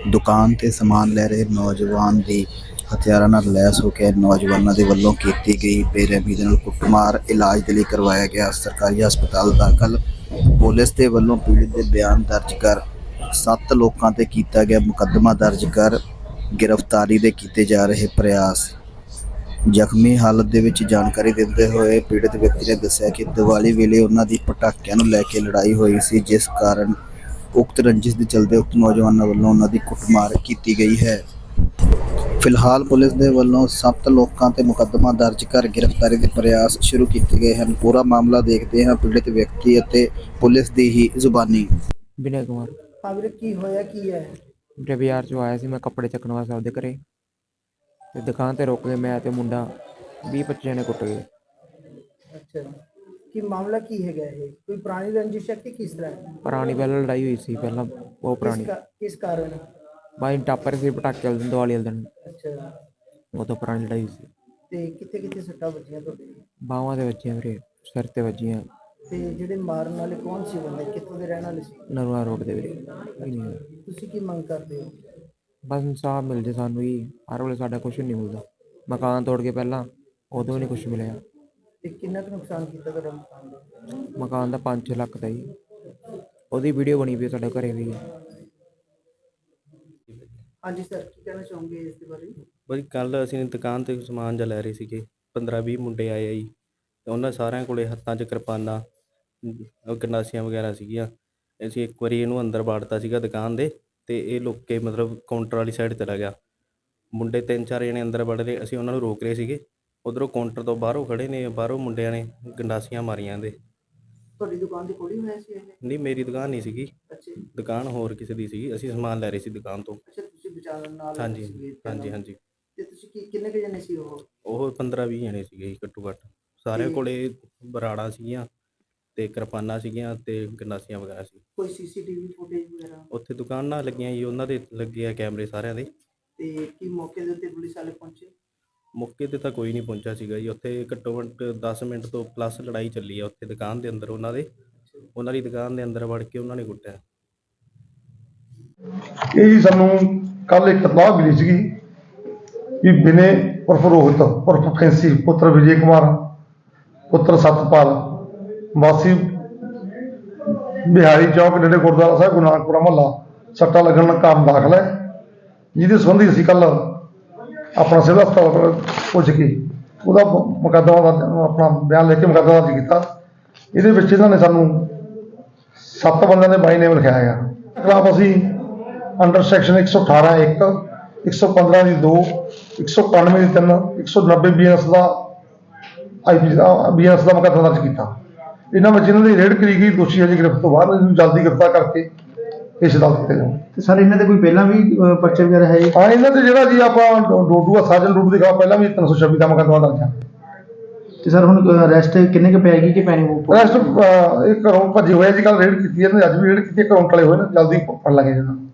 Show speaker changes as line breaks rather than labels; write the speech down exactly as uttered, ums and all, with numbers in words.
दुकान ते समान लै रहे नौजवान दी हथियारां नाल लैस हो के नौजवानों के वलों की गई बेरहमी दे नाल कुटमार इलाज के लिए करवाया गया सरकारी हस्पताल दाखल। पुलिस के वलों पीड़ित के बयान दर्ज कर सत्त लोगों ते कीता गया मुकदमा दर्ज कर गिरफ्तारी दे कीते जा रहे प्रयास। ਜ਼ਖਮੀ ਹਾਲਤ ਦੇ ਵਿੱਚ ਜਾਣਕਾਰੀ ਦਿੰਦੇ ਹੋਏ ਪੀੜਤ ਵਿਅਕਤੀ ਨੇ ਦੱਸਿਆ ਕਿ ਦੀਵਾਲੀ ਵੇਲੇ ਉਹਨਾਂ ਦੀ ਪਟਾਕਿਆਂ ਨੂੰ ਲੈ ਕੇ ਲੜਾਈ ਹੋਈ ਸੀ, ਜਿਸ ਕਾਰਨ ਉਕਤ ਰੰਜਿਸ਼ ਦੇ ਚਲਦੇ ਉਕਤ ਨੌਜਵਾਨਾਂ ਵੱਲੋਂ ਉਹਨਾਂ ਦੀ ਕੁੱਟਮਾਰ ਕੀਤੀ ਗਈ ਹੈ। ਫਿਲਹਾਲ ਪੁਲਿਸ ਦੇ ਵੱਲੋਂ ਸੱਤ ਲੋਕਾਂ ਤੇ ਮੁਕੱਦਮਾ ਦਰਜ ਕਰ ਗ੍ਰਿਫਤਾਰੀ ਦੇ ਪ੍ਰਯਾਸ ਸ਼ੁਰੂ ਕੀਤੇ ਗਏ ਹਨ। ਪੂਰਾ ਮਾਮਲਾ ਦੇਖਦੇ ਹਾਂ ਪੀੜਤ ਵਿਅਕਤੀ ਅਤੇ ਪੁਲਿਸ ਦੀ ਹੀ ਜ਼ੁਬਾਨੀ।
विनय कुमार
हाँ वीरे की होया की है?
मेरे बाजार चो आया सी, मैं कपड़े चकन वास्ते आपदे घरे ते दुकान ते रोक गए, मैं ते मुंडा बीस पच्ची जने कुट गए।
अच्छा की मामला की है गया है? कोई पुरानी रंजिश है कि किस तरह?
पुरानी पहले लड़ाई हुई सी, पहला बहुत पुरानी
किस, का, किस कारण?
भाई टापर सी पटाके वाले दिन दिवाली वाले दिन,
अच्छा
वो तो पुरानी लड़ाई सी।
ते किथे किथे सट्टा बजियां तोड़े?
बावां ते वजियां मेरे, सिर ते वजियां।
ते जेडे मारन वाले कौन सी बंदे, कित्थों दे रहने वाले सी?
नरवा रोड दे मेरे।
तुसी की मंग करदे हो?
बस इंसाफ मिल जाए सानू ही, हर वेले साडा कुछ नहीं मिलता। मकान तोड़ के पहला उदों नहीं कुछ मिले।
ते किन्ना क नुकसान कीता तुहाडा मकान दा?
मकान दा पाँच छे लख दा ही, ओदी वीडियो बनी पई साडे घरे भी।
हाँ जी सर, की कहना चाहोगे इस दे बारे?
ਬਈ ਕੱਲ੍ਹ ਅਸੀਂ ਦੁਕਾਨ 'ਤੇ ਸਮਾਨ ਜਿਹਾ ਲੈ ਰਹੇ ਸੀਗੇ, ਪੰਦਰਾਂ ਵੀਹ ਮੁੰਡੇ ਆਏ ਆ ਜੀ ਅਤੇ ਉਹਨਾਂ ਸਾਰਿਆਂ ਕੋਲ ਹੱਥਾਂ 'ਚ ਕਿਰਪਾਨਾਂ ਗੰਡਾਸੀਆਂ ਵਗੈਰਾ ਸੀਗੀਆਂ। ਅਸੀਂ ਇੱਕ ਵਾਰੀ ਇਹਨੂੰ ਅੰਦਰ ਵਾੜਤਾ ਸੀਗਾ ਦੁਕਾਨ ਦੇ ਅਤੇ ਇਹ ਲੁੱਕ ਕੇ ਮਤਲਬ ਕਾਊਂਟਰ ਵਾਲੀ ਸਾਈਡ ਚਲਾ ਗਿਆ। ਮੁੰਡੇ ਤਿੰਨ ਚਾਰ ਜਣੇ ਅੰਦਰ ਵੜ ਰਹੇ, ਅਸੀਂ ਉਹਨਾਂ ਨੂੰ ਰੋਕ ਰਹੇ ਸੀਗੇ। ਉੱਧਰੋਂ ਕਾਊਂਟਰ ਤੋਂ ਬਾਹਰੋਂ ਖੜ੍ਹੇ ਨੇ, ਬਾਹਰੋਂ ਮੁੰਡਿਆਂ ਨੇ ਗੰਡਾਸੀਆਂ ਮਾਰੀਆਂ ਇਹਦੇ।
ਤੁਹਾਡੀ ਦੁਕਾਨ ਦੀ ਕੋਲ ਹੀ ਹੋਇਆ ਸੀ ਇਹ?
ਨਹੀਂ, ਮੇਰੀ ਦੁਕਾਨ ਨਹੀਂ ਸੀਗੀ,
ਅੱਛਾ
ਦੁਕਾਨ ਹੋਰ ਕਿਸੇ ਦੀ ਸੀਗੀ। ਅਸੀਂ ਸਮਾਨ ਲੈ ਰਹੇ ਸੀ ਦੁਕਾਨ ਤੋਂ।
ਅੱਛਾ ਤੁਸੀਂ ਬਚਾਉਣ ਨਾਲ
ਹਾਂਜੀ
ਸੀਗੇ?
ਹਾਂਜੀ ਹਾਂਜੀ।
ਤੇ ਤੁਸੀਂ ਕੀ ਕਿੰਨੇ ਕੁ ਜਣੇ ਸੀ ਉਹ?
ਉਹ ਪੰਦਰਾਂ ਵੀਹ ਜਣੇ ਸੀਗੇ ਜੀ ਘੱਟੋ ਘੱਟ। ਸਾਰਿਆਂ ਕੋਲ ਬਰਾੜਾਂ ਸੀਗੀਆਂ ਅਤੇ ਕਿਰਪਾਨਾਂ ਸੀਗੀਆਂ ਅਤੇ ਗੰਡਾਸੀਆਂ ਵਗੈਰਾ ਸੀ।
ਕੋਈ ਸੀਸੀਟੀਵੀ ਫੁਟੇਜ ਵਗੈਰਾ
ਉੱਥੇ ਦੁਕਾਨਾਂ ਲੱਗੀਆਂ ਜੀ, ਉਹਨਾਂ ਦੇ ਲੱਗੇ ਆ ਕੈਮਰੇ ਸਾਰਿਆਂ ਦੇ।
ਤੇ ਕੀ ਮੌਕੇ ਦੇ ਉੱਤੇ ਪੁਲਿਸ ਵਾਲੇ ਪਹੁੰਚੇ?
ਮੌਕੇ 'ਤੇ ਤਾਂ ਕੋਈ ਨਹੀਂ ਪਹੁੰਚਿਆ ਸੀਗਾ ਜੀ। ਉੱਥੇ ਘੱਟੋ ਘੱਟ ਦਸ ਮਿੰਟ ਤੋਂ ਪਲੱਸ ਲੜਾਈ ਚੱਲੀ ਆ ਉੱਥੇ ਦੁਕਾਨ ਦੇ ਅੰਦਰ। ਉਹਨਾਂ ਦੇ ਉਹਨਾਂ ਦੀ ਦੁਕਾਨ ਦੇ ਅੰਦਰ ਵੜ ਕੇ ਉਹਨਾਂ ਨੇ ਕੁੱਟਿਆ।
ਇਹ ਜੀ ਸਾਨੂੰ ਕੱਲ੍ਹ ਇੱਕ ਇਤਲਾਹ ਮਿਲੀ ਸੀਗੀ ਵੀ ਵਿਨੇ ਉਰਫ ਰੋਹਿਤ ਉਰਫ ਫੈਂਸੀ ਪੁੱਤਰ ਵਿਜੇ ਕੁਮਾਰ ਪੁੱਤਰ ਸਤਪਾਲ ਵਾਸੀ ਬਿਹਾਰੀ ਚੌਕ ਨੇੜੇ ਗੁਰਦੁਆਰਾ ਸਾਹਿਬ ਗੁਰੂ ਨਾਨਕਪੁਰਾ ਮੁਹੱਲਾ ਸੱਟਾਂ ਲੱਗਣ ਦਾ ਕਾਰਨ ਦਾਖਲ ਹੈ, ਜਿਹਦੇ ਸੰਬੰਧੀ ਅਸੀਂ ਕੱਲ੍ਹ ਆਪਣਾ ਸਿਵਲ ਹਸਪਤਾਲ ਪੁੱਜ ਕੇ ਉਹਦਾ ਮੁਕੱਦਮਾ ਆਪਣਾ ਬਿਆਨ ਲੈ ਕੇ ਮੁਕੱਦਮਾ ਦਰਜ ਕੀਤਾ। ਇਹਦੇ ਵਿੱਚ ਇਹਨਾਂ ਨੇ ਸਾਨੂੰ ਸੱਤ ਬੰਦਿਆਂ ਦੇ ਬਾਈ ਨੇਮ ਲਿਖਾਇਆ ਗਿਆ। ਖਿਲਾਫ ਅਸੀਂ ਅੰਡਰ ਸੈਕਸ਼ਨ ਇੱਕ ਸੌ ਅਠਾਰਾਂ ਇੱਕ ਇੱਕ ਸੌ ਪੰਦਰਾਂ ਦੀ ਦੋ ਇੱਕ ਸੌ ਇਕਾਨਵੇਂ ਦੀ ਤਿੰਨ ਇੱਕ ਸੌ ਨੱਬੇ ਬੀ ਐਸ ਦਾ ਆਈ ਪੀ ਦਾ ਬੀ ਐਸ ਦਾ ਮੁਕੱਦਮਾ ਦਰਜ ਕੀਤਾ। ਇਹਨਾਂ ਵਿੱਚ ਇਹਨਾਂ ਦੀ ਰੇਡ ਕਰੀ ਗਈ। ਦੋਸ਼ੀ ਹਜੇ ਗ੍ਰਿਫਤ ਤੋਂ ਬਾਅਦ ਇਹਨੂੰ ਜਲਦੀ ਗ੍ਰਿਫਤਾਰ ਕਰਕੇ ਪੇਸ਼ ਅਦਾਲਤ ਕੀਤੇ ਜਾਣ।
ਤੇ ਸਰ ਇਹਨਾਂ ਦੇ ਕੋਈ ਪਹਿਲਾਂ ਵੀ ਪਰਚੇ ਵਗੈਰਾ ਹੈ?
ਹਾਂ, ਇਹਨਾਂ ਤੇ ਜਿਹੜਾ ਜੀ ਆਪਾਂ ਡੋਡੂ ਆ ਸਾਜਨ ਡੋਡੂ ਦੇ ਖਿਲਾਫ ਪਹਿਲਾਂ ਵੀ ਤਿੰਨ ਸੌ ਛੱਬੀ ਦਾ ਮੁਕੱਦਮਾ ਦਰਜ ਹੈ।
ਤੇ ਸਰ ਹੁਣ ਅਰੈਸਟ ਕਿੰਨੇ ਕੁ ਪੈਗੀ ਕਿ ਪੈਣੀ?
ਅਰੈਸਟ ਇਹ ਘਰੋਂ ਭੱਜੇ ਹੋਏ ਜੀ। ਕੱਲ੍ਹ ਰੇਡ ਕੀਤੀ ਇਹਨਾਂ ਨੇ, ਅੱਜ ਵੀ ਰੇਡ ਕੀਤੀ। ਅਕਾਊਂਟ ਵਾਲੇ ਹੋਏ ਨੇ, ਜਲਦੀ ਫੜ ਲਾਂਗੇ ਇਹਨਾਂ